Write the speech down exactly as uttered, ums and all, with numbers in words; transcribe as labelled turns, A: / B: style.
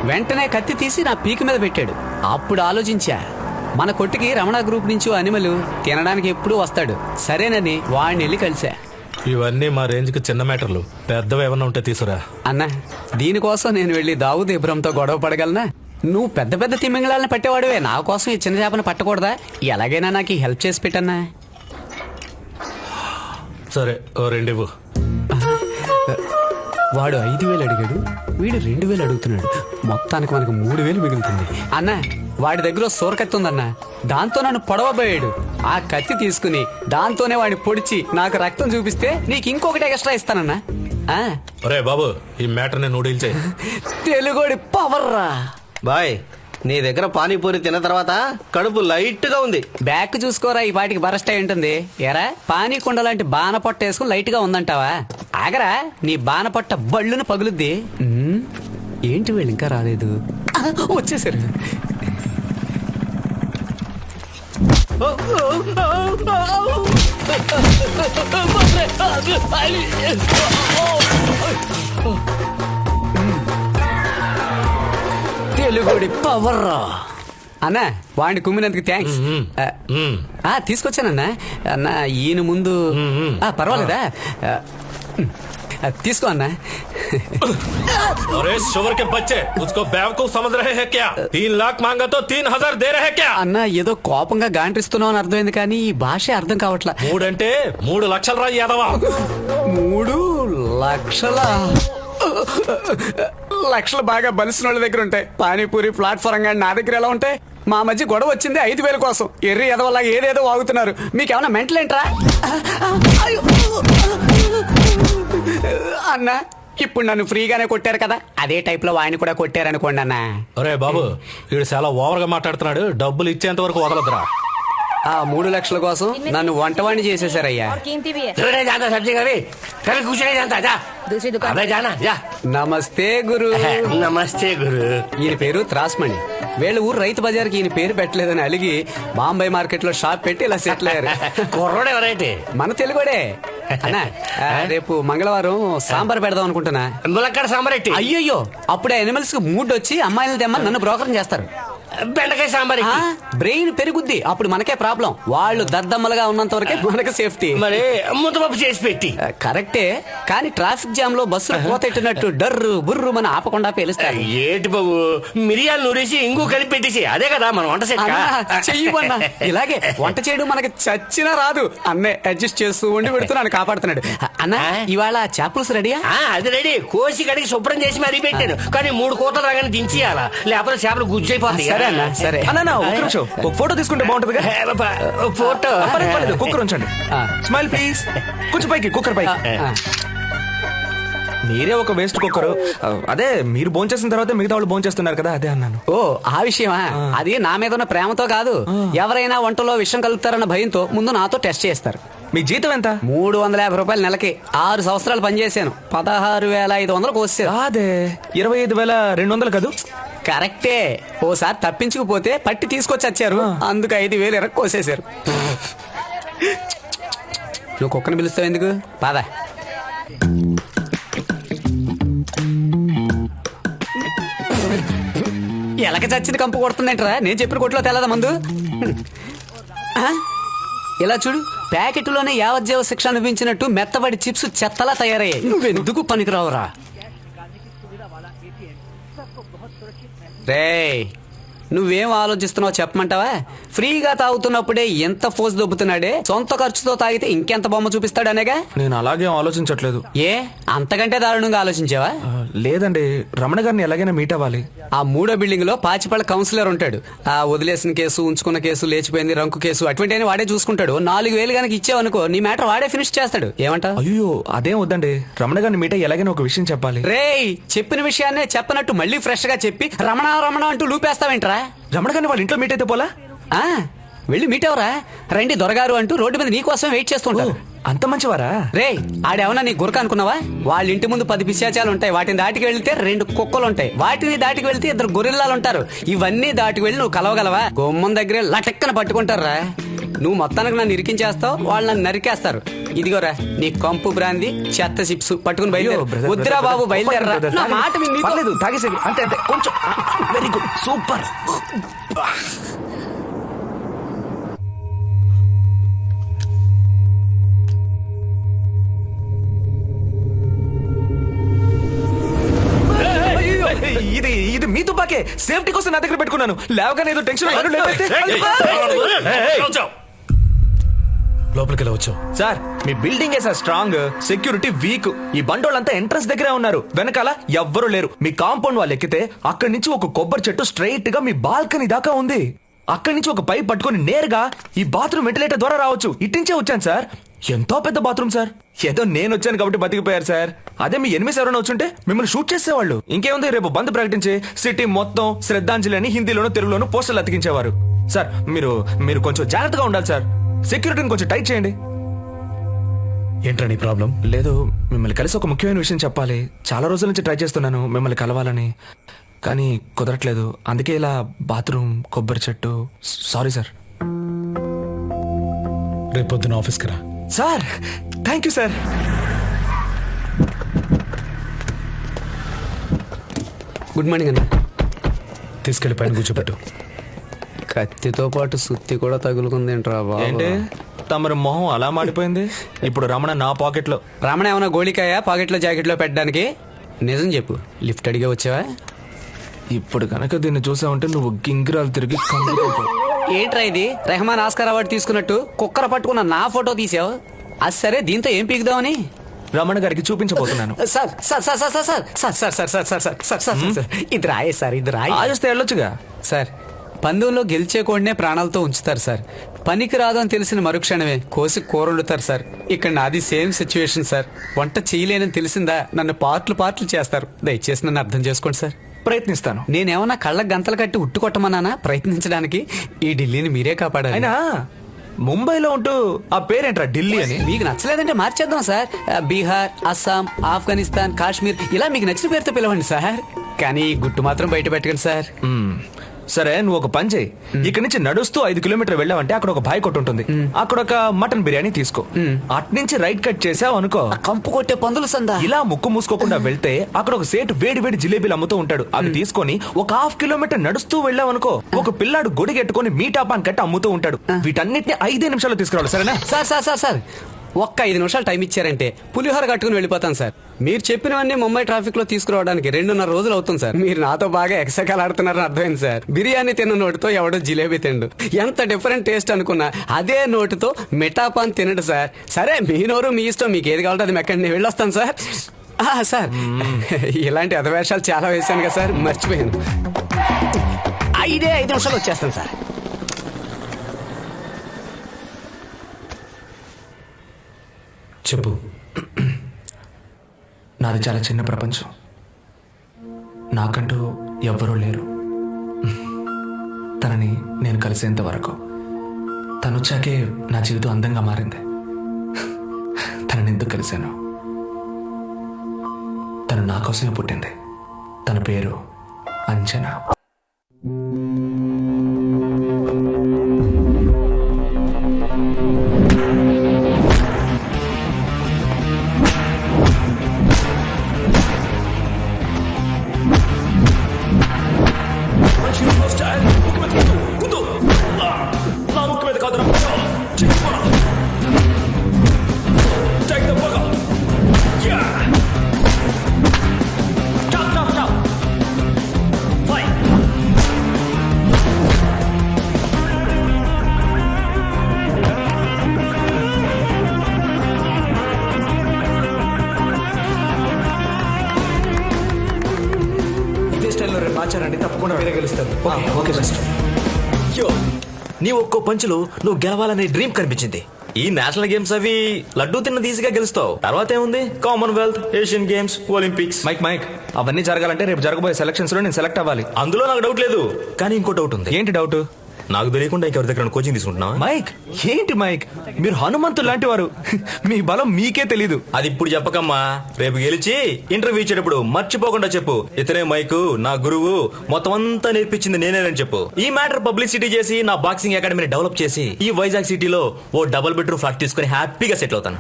A: వెంటనే కత్తి తీసి నా పీక మీద పెట్టాడు. అప్పుడు ఆలోచించా, మన కొట్టుకి రమణ గ్రూప్ నుంచి ఓ అనిమలు తినడానికి ఎప్పుడూ వస్తాడు, సరేనని వాడిని వెళ్ళి కలిసా.
B: ఇవన్నీ మా రేంజ్కి చిన్న మ్యాటర్లు, పెద్దవి ఏమన్నా ఉంటే తీసురా.
A: అన్నా, దీనికోసం నేను వెళ్ళి దావుద్ ఇబ్రహంతో గొడవ పడగలనా? నువ్వు పెద్ద పెద్ద తిమ్మింగళాలను పట్టేవాడువే, నా కోసం ఈ చిన్న చేపను పట్టకూడదా? ఎలాగైనా నాకు హెల్ప్ చేసి పెట్టన్నా.
B: సరే, ఓ రెండివ్వు.
A: వాడు ఐదు వేలు అడిగాడు, వీడు రెండు వేలు అడుగుతున్నాడు. మొత్తానికి మనకు మూడు వేలు మిగులుతుంది. అన్న, వాడి దగ్గర సోరకత్తి ఉందన్న, దాంతో నన్ను పొడవబోయాడు. ఆ కత్తి తీసుకుని దాంతోనే వాడిని పొడిచి నాకు రక్తం చూపిస్తే నీకు ఇంకొకటి ఎక్స్ట్రా ఇస్తానన్నా.
B: ఒరే బాబు, ఈ మ్యాటర్ ని నూడిల్ చేయి.
A: తెలుగోడి పవర్ రా
C: బాయ్. నీ దగ్గర పానీపూరి తిన్న తర్వాత కడుపు లైట్ గా ఉంది.
A: బ్యాక్ చూసుకోరా, ఈ పాటికి బరస్ట్ అయి ఉంటుంది. ఎరా, పానీ కుండ లాంటి బాన పొట్ట వేసుకుని లైట్ గా ఉందంటావా? ఆగరా, నీ బాన పొట్ట బళ్ళును పగులుద్ది. ఉమ్, ఏంటి వీళ్ళు ఇంకా రాలేదు? ఆ, వచ్చేసారు. తెలుగుడి పవర్ రా అన్నా. వాడిని కుమ్మినందుకు థ్యాంక్స్. తీసుకొచ్చానన్నా. అన్న, ఈయన ముందు పర్వాలేదా? తీసుకో అన్నా.
B: अरे शुगर के बच्चे, उसको बेवकूफ समझ रहे हैं क्या? तीन लाख मांगा तो तीन हजार दे रहे क्या?
A: అన్న, ఏదో కోపంగా గాంటిస్తున్నావు అని అర్థమైంది, కానీ ఈ భాష అర్థం కావట్లా.
B: మూడంటే మూడు లక్షలు రా యాదవా.
A: మూడు లక్షల లక్షలు బాగా బలిసిన వాళ్ళ దగ్గర ఉంటాయి. పానీపూరి ప్లాట్ఫారం కానీ నా దగ్గర ఎలా ఉంటాయి? మా మధ్య గొడవ వచ్చింది ఐదు వేల కోసం. ఎర్రి ఎదవలా ఏదేదో వాగుతున్నారు. మీకేమన్నా మెంటల్ ఏంట్రా? అన్న, ఇప్పుడు నన్ను ఫ్రీగానే కొట్టారు కదా, అదే టైప్ లో వాడిని కూడా కొట్టారనుకోండి అన్న.
B: అరే బాబు, వీడు చాలా ఓవర్ గా మాట్లాడుతున్నాడు. డబ్బులు ఇచ్చేంత వరకు వదలదురా.
A: ఆ మూడు లక్షల కోసం నన్ను వంటవాణ్ణి చేసేసారయ్యా. నమస్తే గురు.
C: నమస్తే గురు.
A: ఈయన పేరు త్రాస్మణి. వీళ్ళ ఊరు రైతు బజార్కి ఈయన పేరు పెట్టలేదని అలిగి బాంబే మార్కెట్ లో షాప్ పెట్టి ఇలా సెటిల్ అయ్యారు.
C: కుర్రోడు ఎవరైతే
A: మన తెలుగుడే. అన్నా, రేపు మంగళవారం సాంబార్ పెడదాం అనుకుంటున్నా.
C: ములక్కడ సాంబార్ ఎట్టి.
A: అయ్యయ్యో, అప్పుడే ఎనిమల్స్ కి మూడ్ వచ్చి అమ్మాయిలు తెమ్మని నన్ను బ్రోకరం చేస్తారు.
C: బెండకాయ సాంబార్
A: బ్రెయిన్ పెరుగుద్ది, అప్పుడు మనకే ప్రాబ్లం. వాళ్ళు దద్దమ్మలుగా ఉన్నంత వరకే మనకు సేఫ్టీ.
C: మరి ముద్దపప్పు చేసి పెట్టి.
A: కరెక్టే, కానీ ట్రాఫిక్ జామ్ లో బస్సులు పోతెట్టినట్టు డర్రు బుర్రు మన ఆపకుండా పేలుస్తారు.
C: ఏటి బాబు, మిరియాలు నూరేసి ఇంగు కలిపి పెట్టేసి, అదే కదా మన వంట సెట్.
A: చెయ్యమన్నా, ఇలాగే వంట చేయడం మనకి చచ్చినా రాదు. అన్నే అడ్జస్ట్ చేస్తూ ఉండి పెడుతున్నాను, కాపాడుతున్నాడు. అన్న, ఇవాళ చేపలుసు రెడీయా?
C: అది రెడీ. కోసి కడిగి శుభ్రం చేసి మరీ పెట్టాను, కానీ మూడు కోతలు రాగానే దించేయాలా, లేకపోతే చేపలు గుజ్జైపోతాయి.
A: సరే అన్న, సరే
D: అన్న, ఒక నిమిషం, ఒక ఫోటో తీసుకుంటే బాగుంటుంది.
C: ఫోటో
D: కుక్కర్ ఉంచండి. Smile please. కొంచెం పైకి, కుక్కర్ పైకి. మీరే ఒక వేస్ట్ కుక్కరు. అదే మీరు భోంచేసిన తర్వాత మిగతా వాళ్ళు భోంచేస్తున్నారు కదా, అదే అన్నాను.
A: ఓ, ఆ విషయమా? అది నా మీద ఉన్న ప్రేమతో కాదు. ఎవరైనా వంటలో విషం కలుపుతారన్న భయంతో ముందు నాతో టెస్ట్ చేస్తారు.
D: మీ జీతం ఎంత?
A: మూడు వందల యాభై రూపాయలు నెలకి. ఆరు సంవత్సరాలు పనిచేశాను. పదహారు వేల ఐదు వందలు కోసాను.
D: అదే ఇరవై ఐదు వేల రెండు వందలు కాదు?
A: కరెక్టే. ఓసారి తప్పించుకుపోతే పట్టి తీసుకొచ్చి వచ్చారు, అందుకు ఐదు వేలు ఎరకు కోసేశారు. నువ్వు కుక్కను పిలుస్తావు ఎందుకు? పద. ఎలక చచ్చింది కంపు కొడుతుందంటరా? నేను చెప్పిన కొట్లో తెల్లదా మందు? ఇలా చూడు, ప్యాకెట్లోనే యావజ్జీవ శిక్ష అనిపించినట్టు మెత్తబడి చిప్స్ చెత్తలా తయారయ్యాయి. నువ్వెందుకు పనికిరావురా? రేయ్, నువ్వేం ఆలోచిస్తున్నావు చెప్పమంటావా? ఫ్రీగా తాగుతున్నప్పుడే ఎంత ఫోర్స్ దొబ్బుతున్నాడే, సొంత ఖర్చుతో తాగితే ఇంకెంత బొమ్మ చూపిస్తాడనేగా.
D: నేను అలాగే ఆలోచించట్లేదు.
A: ఏ, అంతకంటే దారుణంగా ఆలోచించావా?
D: లేదండి, రమణ గారిని ఎలాగైనా మీట్ అవ్వాలి.
A: ఆ మూడో బిల్డింగ్ లో పాచిపళ్ళ కౌన్సిలర్ ఉంటాడు. ఆ వదిలేసిన కేసు, ఉంచుకున్న కేసు, లేచిపోయింది రంకు కేసు, అటువంటి వాడే చూసుకుంటాడు. నాలుగు వేలు కనుక ఇచ్చావనుకో, నీ మ్యాటర్ వాడే ఫినిష్ చేస్తాడు. ఏమంటావు?
D: అయ్యో, అదేం వద్దండి. రమణ గారిని మీట్ అయ్యి ఎలాగైనా ఒక విషయం చెప్పాలి.
A: రేయ్, చెప్పిన విషయాన్నే చెప్పనట్టు మళ్ళీ ఫ్రెష్ గా చెప్పి రమణ రమణ అంటూ లూపేస్తావేంట్రా?
D: రమణ గారిని వాళ్ళ ఇంట్లో మీట్ అయితే పోలా?
A: ఆ, వెళ్ళి మీట్ అవరా? రండి దొరగారు అంటూ రోడ్డు మీద నీకోసం వెయిట్ చేస్తుంటారు.
D: అంత మంచివారా?
A: రే, ఆడేమన్నా నీ గురక అనుకున్నావా? వాళ్ళ ఇంటి ముందు పది పిశాచాలు ఉంటాయి. వాటిని దాటికి వెళ్తే రెండు కుక్కలు ఉంటాయి. వాటిని దాటికి వెళ్తే ఇద్దరు గొరిల్లాలు ఉంటారు. ఇవన్నీ దాటికి వెళ్ళి నువ్వు కలవగలవా? గుమ్మం దగ్గరే లటక్కన పట్టుకుంటారా? నువ్వు మొత్తానికి నన్ను ఇరికించేస్తావు, వాళ్ళు నన్ను నరికేస్తారు. ఇదిగోరా నీ కంపు బ్రాంది చెత్త చిప్స్ పట్టుకుని బయలుదేరు. వద్దురా బాబు బయలుదేరరా. నా మాట విని నీతో-
D: పర్లేదు తాగేసేది అంతే అంతే కొంచెం వెరీ గుడ్ సూపర్. ఇది ఇది మీ తుపాకే, సేఫ్టీ కోసం నా దగ్గర పెట్టుకున్నాను. లేవగానే ఏదో టెన్షన్
B: లోపలికి వెళ్ళి వచ్చావు.
D: సార్ మీ building sir strong, security weak. ఈ బండోళ్ళంతా ఎంట్రన్స్ దగ్గరే ఉన్నారు, వెనకాల ఎవ్వరూ లేరు. మీ కాంపౌండ్ వాళ్ళు ఎక్కితే అక్కడి నుంచి ఒక కొబ్బరి చెట్టు స్ట్రైట్ గా మీ బాల్కనీ దాకా ఉంది. అక్కడి నుంచి ఒక పైప్ పట్టుకొని నేరుగా ఈ బాత్రూమ్ వెంటిలేటర్ ద్వారా రావచ్చు. ఇట్టించే వచ్చాను సార్. ఎంతో పెద్ద బాత్రూమ్ సార్. ఏదో నేను వచ్చాను కాబట్టి బతికిపోయారు సార్. అదే మీ ఎనిమిది ఎవరైనా వచ్చుంటే మిమ్మల్ని షూట్ చేసేవాళ్ళు. ఇంకేముంది, రేపు బంద్ ప్రకటించి సిటీ మొత్తం శ్రద్ధాంజలి అని హిందీలోను తెలుగులోను పోస్టర్లు అతికించేవారు. సార్ మీరు మీరు కొంచెం జాగ్రత్తగా ఉండాలి సార్. సెక్యూరిటీని కొంచెం టైట్ చేయండి.
B: ఏంట్రా నీ ప్రాబ్లం?
D: లేదు, మిమ్మల్ని కలిసి ఒక ముఖ్యమైన విషయం చెప్పాలి. చాలా రోజుల నుంచి ట్రై చేస్తున్నాను మిమ్మల్ని కలవాలని, కానీ కుదరట్లేదు. అందుకే ఇలా బాత్రూమ్, కొబ్బరి చెట్టు. Sorry sir.
B: రేపు పొద్దున ఆఫీస్కి రా.
D: Sir thank you sir.
A: Good morning అన్న.
B: తీసుకెళ్లి పైన కూర్చోబెట్టు.
A: కత్తితో పాటు సుత్తి కూడా తగులుకుందేంట్రా బాబు.
D: ఏంటి తమరి మొహం అలా మాడిపోయింది? ఇప్పుడు రమణ నా పాకెట్ లో.
A: రమణ ఏమన్నా గోళికాయ పాకెట్లో జాకెట్లో పెట్టడానికి? నిజం చెప్పు, లిఫ్ట్ అడిగే వచ్చావా?
D: ఇప్పుడు కనుక దీన్ని చూసావంటే నువ్వు గింగిరాలు తిరిగి కంగుకుంటావు.
A: ఏంట్రా ఇది, రెహమాన్ ఆస్కార్ అవార్డు తీసుకున్నట్టు కుక్కర పట్టుకున్న నా ఫోటో తీసావు? అది సరే, దీంతో ఏం పీకుదామని
D: రమణ గారికి చూపించబోతున్నాను.
A: Sir sir sir sir sir sir sir sir sir sir sir sir sir sir sir ఇది రాయే సార్, ఇది రాయి.
D: ఆజొస్తే వెళ్ళొచ్చుగా
A: సార్. పందెంలో గెలిచే కోడినే ప్రాణాలతో ఉంచుతారు సార్. పనికి రాదు అని తెలిసిన మరుక్షణమే కోసి కూరలుతారు సార్. ఇక్కడ నాది సేమ్ సిచ్యువేషన్ సార్. వంట చేయలేనని తెలిసిందా నన్ను పార్ట్లు పార్ట్లు చేస్తారు. దయచేసి నన్ను అర్థం చేసుకోండి సార్.
D: ప్రయత్నిస్తాను.
A: నేనేమన్నా కళ్ళకు గంతలు కట్టి ఉట్టు కొట్టమన్నానా ప్రయత్నించడానికి? ఈ ఢిల్లీని మీరే కాపాడాలి.
D: అయినా ముంబైలో ఉంటూ ఆ పేరేంట్రా ఢిల్లీ అని?
A: మీకు నచ్చలేదంటే మార్చేద్దాం సార్. బీహార్, అస్సాం, ఆఫ్ఘనిస్తాన్, కాశ్మీర్ ఇలా మీకు నచ్చిన పేరుతో పిలవండి సార్. కానీ ఈ గుట్టు మాత్రం బయట పెట్టకండి సార్.
D: మ్మ్. సరే నువ్వు ఒక పని చేయి. ఇక్కడి నుంచి నడుస్తూ ఐదు కిలోమీటర్ వెళ్ళావంటే అక్కడ ఒక బాయ్ కొట్టు ఉంటుంది. అక్కడ ఒక మటన్ బిర్యానీ తీసుకో. అట్నుంచి రైట్ కట్ చేసావు అనుకో,
A: కంపు కొట్టే పందులు సందా.
D: ఇలా ముక్కు మూసుకోకుండా వెళ్తే అక్కడ ఒక సేటు వేడి వేడి జిలేబీలు అమ్ముతూ ఉంటాడు. అవి తీసుకొని ఒక హాఫ్ కిలోమీటర్ నడుస్తూ వెళ్ళావు అనుకో, ఒక పిల్లాడు గొడిగెట్టుకొని మీటాపాన్ కట్టి అమ్ముతూ ఉంటాడు. వీటన్నిటిని ఐదే నిమిషాలు తీసుకురావాలి, సరేనా?
A: సార్ సార్ సార్ సార్ ఒక్క ఐదు నిమిషాలు టైం ఇచ్చారంటే పులిహోర కట్టుకుని వెళ్ళిపోతాను సార్. మీరు చెప్పినవన్నీ ముంబై ట్రాఫిక్ లో తీసుకురావడానికి రెండున్నర రోజులు అవుతుంది సార్. మీరు నాతో బాగా ఎక్సకాలు ఆడుతున్నారని అర్థమైంది సార్. బిర్యానీ తిన్న నోటితో ఎవడో జిలేబీ తిండు. ఎంత డిఫరెంట్ టేస్ట్ అనుకున్నా అదే నోటితో మిఠాపాన్ తినడు సార్. సరే మీ నోరు మీ ఇష్టం, మీకు ఏది కావాలంటే అది మెక్కండి, నేను వెళ్ళొస్తాను సార్. ఆ, సార్ ఇలాంటి అధవేషాలు చాలా వేసాను కదా సార్, మర్చిపోయాను. ఐదే ఐదు నిమిషాలు వచ్చేస్తాను సార్.
B: చెప్పు.
D: నాది చాలా చిన్న ప్రపంచం. నాకంటూ ఎవ్వరూ లేరు. తనని నేను కలిసేంత వరకు. తను వచ్చాకే నా జీవితం అందంగా మారింది. తనని ఎందుకు కలిశాను? తను నా కోసమే పుట్టింది. తన పేరు అంజనా. ఆచారండి, తప్పకుండా వేరే గెలుస్తారు. Okay best.
E: యో, నీ ఒక్కో పంచులు నువ్వు గెలవాలనే డ్రీమ్ కనిపించింది. ఈ నేషనల్ గేమ్స్ అవి లడ్డూ తిన్న ఈజీగా గెలుస్తావు. తర్వాత ఏముంది, Commonwealth, Asian games, Olympics.
D: Mike mike అవన్నీ జరగాలంటే రేపు జరగబోయే సెలక్షన్స్ లో నేను సెలెక్ట్ అవ్వాలి.
E: అందులో నాకు డౌట్ లేదు, కానీ ఇంకో డౌట్ ఉంది.
D: ఏంటి డౌట్?
E: నాకు తెలియకుండా ఇంకెవరి దగ్గర కోచింగ్ తీసుకుంటున్నావా?
D: మైక్ ఏంటి మైక్, మీరు హనుమంతు లాంటి వారు. మీ బలం మీకే తెలీదు.
E: అది ఇప్పుడు చెప్పకమ్మా, రేపు గెలిచి ఇంటర్వ్యూ ఇచ్చేటప్పుడు మర్చిపోకుండా చెప్పు, ఇతనే మైకు నా గురువు, మొత్తం అంతా నేర్పించింది నేనేనని చెప్పు. ఈ మ్యాటర్ పబ్లిసిటీ చేసి నా బాక్సింగ్ అకాడమీని డెవలప్ చేసి ఈ వైజాగ్ సిటీలో ఓ డబుల్ బెడ్రూమ్ ఫ్లాట్ తీసుకుని హ్యాపీగా సెటిల్ అవుతాను.